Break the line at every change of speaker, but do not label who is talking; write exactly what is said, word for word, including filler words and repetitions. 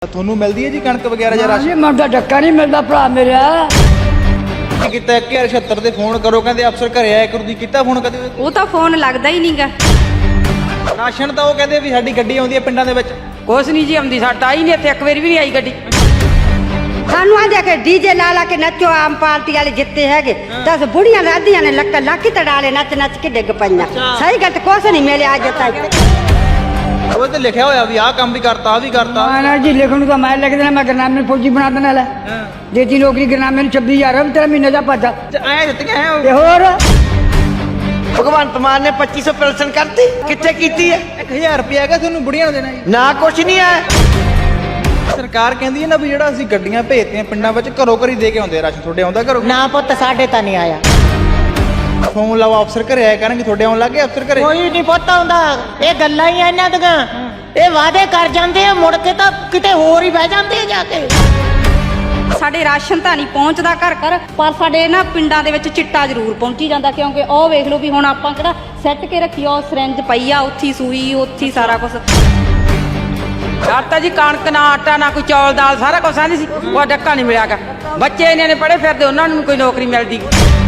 ਤੁਹਾਨੂੰ ਮਿਲਦੀ ਹੈ ਜੀ ਕਣਕ ਵਗੈਰਾ ਜਾਂ ਰਾਸ਼ਨ?
ਜੀ ਮੈਨੂੰ ਤਾਂ ਡੱਕਾ ਨਹੀਂ ਮਿਲਦਾ ਭਰਾ ਮੇਰਾ।
ਕੀਤਾ ਇੱਕ ਹਜ਼ਾਰ ਛਿਹੱਤਰ ਤੇ ਫੋਨ ਕਰੋ, ਕਹਿੰਦੇ ਅਫਸਰ ਘਰੇ ਆਇਆ ਕਰੂ। ਦੀ ਕੀਤਾ ਫੋਨ ਕਦੇ?
ਉਹ ਤਾਂ ਫੋਨ ਲੱਗਦਾ ਹੀ ਨਹੀਂਗਾ।
ਰਾਸ਼ਨ ਤਾਂ ਉਹ ਕਹਿੰਦੇ ਵੀ ਸਾਡੀ ਗੱਡੀ ਆਉਂਦੀ ਹੈ ਪਿੰਡਾਂ ਦੇ ਵਿੱਚ।
ਕੁਛ ਨਹੀਂ ਜੀ ਆਉਂਦੀ, ਸਾਡਾ ਆਈ ਨਹੀਂ ਇੱਥੇ, ਇੱਕ ਵਾਰੀ ਵੀ ਨਹੀਂ ਆਈ ਗੱਡੀ।
ਸਾਨੂੰ ਆਂਦੇ ਕਿ ਡੀਜੇ ਲਾ ਲਾ ਕੇ ਨੱਚੋ, ਆਮ ਪਾਰਟੀ ਵਾਲੇ ਜਿੱਤੇ ਹੈਗੇ। ਦਸ ਬੁੜੀਆਂ ਰਾਧੀਆਂ ਨੇ ਲੱਕ ਲੱਕ ਤੜਾਲੇ ਨੱਚ ਨੱਚ ਕੇ ਡਿੱਗ ਪਈਆਂ। ਸਹੀ ਗੱਲ ਤੇ ਕੁਛ ਨਹੀਂ ਮਿਲਿਆ ਅੱਜ ਤੱਕ।
ਉਹ ਤੇ ਲਿਖਿਆ ਹੋਇਆ ਵੀ ਆਹ ਕੰਮ ਵੀ ਕਰਤਾ, ਆਹ ਵੀ ਕਰਤਾ।
ਨਾ ਜੀ ਲਿਖਣ ਨੂੰ ਤਾਂ ਮੈਂ ਲਿਖ ਦੇਣਾ, ਮੈਂ ਗਰਨਾਮੇ ਫੌਜੀ ਬਣਾ ਦੇਣਾ। ਲੈ ਦੇਤੀ ਨੌਕਰੀ ਗਰਨਾਮੇ ਨੂੰ ਛੱਬੀ ਹਜ਼ਾਰ ਤੇਰਾ ਮਹੀਨੇ ਦਾ ਪਾਦਾ
ਐ ਦਿੱਤੀਆਂ ਹੈ
ਤੇ ਹੋਰ
ਭਗਵੰਤ ਮਾਨ ਨੇ ਪੱਚੀ ਸੌ ਪੈਨਸ਼ਨ ਕਰਤੀ, ਕਿੱਥੇ ਕੀਤੀ ਹੈ?
ਇੱਕ ਹਜ਼ਾਰ ਰੁਪਇਆ ਹੈਗਾ ਤੁਹਾਨੂੰ ਬੁੜੀਆਂ ਨੂੰ ਦੇਣਾ ਜੀ।
ਨਾ ਕੁਛ ਨਹੀਂ ਹੈ।
ਸਰਕਾਰ ਕਹਿੰਦੀ ਹੈ ਨਾ ਵੀ ਜਿਹੜਾ ਅਸੀਂ ਗੱਡੀਆਂ ਭੇਜਦੇ ਪਿੰਡਾਂ ਵਿੱਚ ਘਰੋਂ ਘਰੀ ਦੇ ਕੇ ਆਉਂਦੇ ਰਾਸ਼ਨ। ਤੁਹਾਡੇ ਆਉਂਦਾ ਘਰੋਂ?
ਨਾ ਪੁੱਤ ਸਾਡੇ ਤਾਂ ਨਹੀਂ ਆਇਆ।
ਫੋਨ ਲਾਓ, ਅਫਸਰ ਘਰੇ ਆਇਆ ਕਰਨਗੇ। ਤੁਹਾਡੇ ਆਉਣ ਲੱਗੇ ਅਫਸਰ ਘਰੇ?
ਕੋਈ ਨਹੀਂ ਪੁੱਤ ਆਉਂਦਾ। ਇਹ ਗੱਲਾਂ ਹੀ ਆ ਇਹਨਾਂ ਦੀਆਂ। ਇਹ ਵਾਅਦੇ ਕਰ ਜਾਂਦੇ ਆ, ਮੁੜ ਕੇ ਤਾਂ ਕਿਤੇ ਹੋਰ ਹੀ ਬਹਿ ਜਾਂਦੇ ਆ ਜਾ ਕੇ।
ਸਾਡੇ ਰਾਸ਼ਨ ਤਾਂ ਨਹੀਂ ਪਹੁੰਚਦਾ ਘਰ ਘਰ, ਪਰ ਸਾਡੇ ਨਾ ਪਿੰਡਾਂ ਦੇ ਵਿੱਚ ਚਿੱਟਾ ਜ਼ਰੂਰ ਪਹੁੰਚੀ ਜਾਂਦਾ। ਕਿਉਂਕਿ ਉਹ ਵੇਖ ਲਓ ਵੀ ਹੁਣ ਆਪਾਂ ਕਿਹੜਾ ਸੈੱਟ ਕੇ ਰੱਖੀ, ਉਹ ਸਿਰੰਜ ਪਈ ਆ, ਉੱਥੀ ਸੂਈ, ਉੱਥੀ ਸਾਰਾ ਕੁਝ।
ਆਟਾ ਜੀ ਕਣਕ ਨਾ ਆਟਾ ਨਾ ਕੋਈ ਚੌਲ ਦਾਲ ਸਾਰਾ ਕੁਛ ਆਂਦੀ ਸੀ, ਉਹ ਡੱਕਾ ਨਹੀਂ ਮਿਲਿਆਗਾ। ਬੱਚੇ ਇਹਨਾਂ ਨੇ ਪੜ੍ਹੇ ਫਿਰਦੇ, ਉਹਨਾਂ ਨੂੰ ਕੋਈ ਨੌਕਰੀ ਮਿਲਦੀ।